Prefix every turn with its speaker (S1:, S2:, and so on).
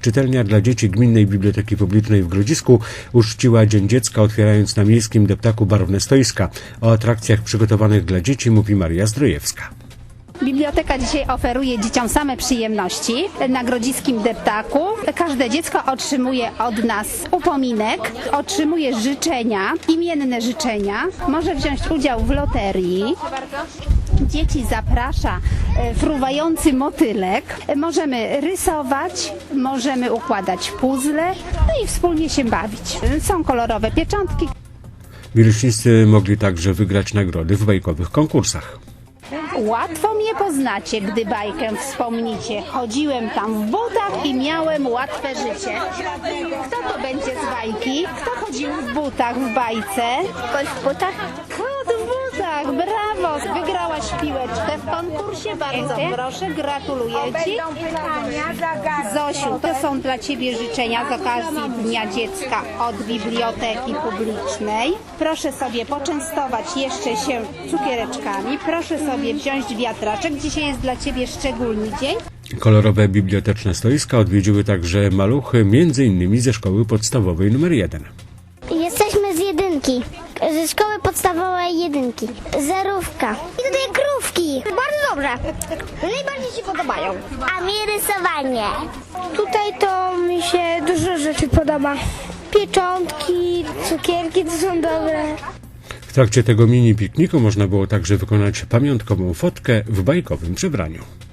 S1: Czytelnia dla dzieci Gminnej Biblioteki Publicznej w Grodzisku uczciła Dzień Dziecka, otwierając na miejskim deptaku barwne stoiska. O atrakcjach przygotowanych dla dzieci mówi Maria Zdrojewska.
S2: Biblioteka dzisiaj oferuje dzieciom same przyjemności na grodziskim deptaku. Każde dziecko otrzymuje od nas upominek, otrzymuje życzenia, imienne życzenia. Może wziąć udział w loterii. Dzieci zaprasza fruwający motylek. Możemy rysować, możemy układać puzzle, no i wspólnie się bawić. Są kolorowe pieczątki.
S1: Wileśnicy mogli także wygrać nagrody w bajkowych konkursach.
S2: Łatwo mnie poznacie, gdy bajkę wspomnicie. Chodziłem tam w butach i miałem łatwe życie. Kto to będzie z bajki? Kto chodził w butach w bajce?
S3: Kot w butach?
S2: Kot w butach, brawo! Wygrałaś piłeczkę w konkursie, bardzo proszę, gratuluję Ci. Zosiu, to są dla Ciebie życzenia z okazji Dnia Dziecka od Biblioteki Publicznej. Proszę sobie poczęstować jeszcze się cukiereczkami, proszę sobie wziąć wiatraczek. Dzisiaj jest dla Ciebie szczególny dzień.
S1: Kolorowe biblioteczne stoiska odwiedziły także maluchy, m.in. ze szkoły podstawowej nr 1.
S3: Jesteśmy z jedynki. Ze szkoły podstawowej jedynki. Zerówka. I tutaj krówki. Bardzo dobrze. Najbardziej się podobają. A mi rysowanie. Tutaj to mi się dużo rzeczy podoba. Pieczątki, cukierki to są dobre.
S1: W trakcie tego mini pikniku można było także wykonać pamiątkową fotkę w bajkowym przebraniu.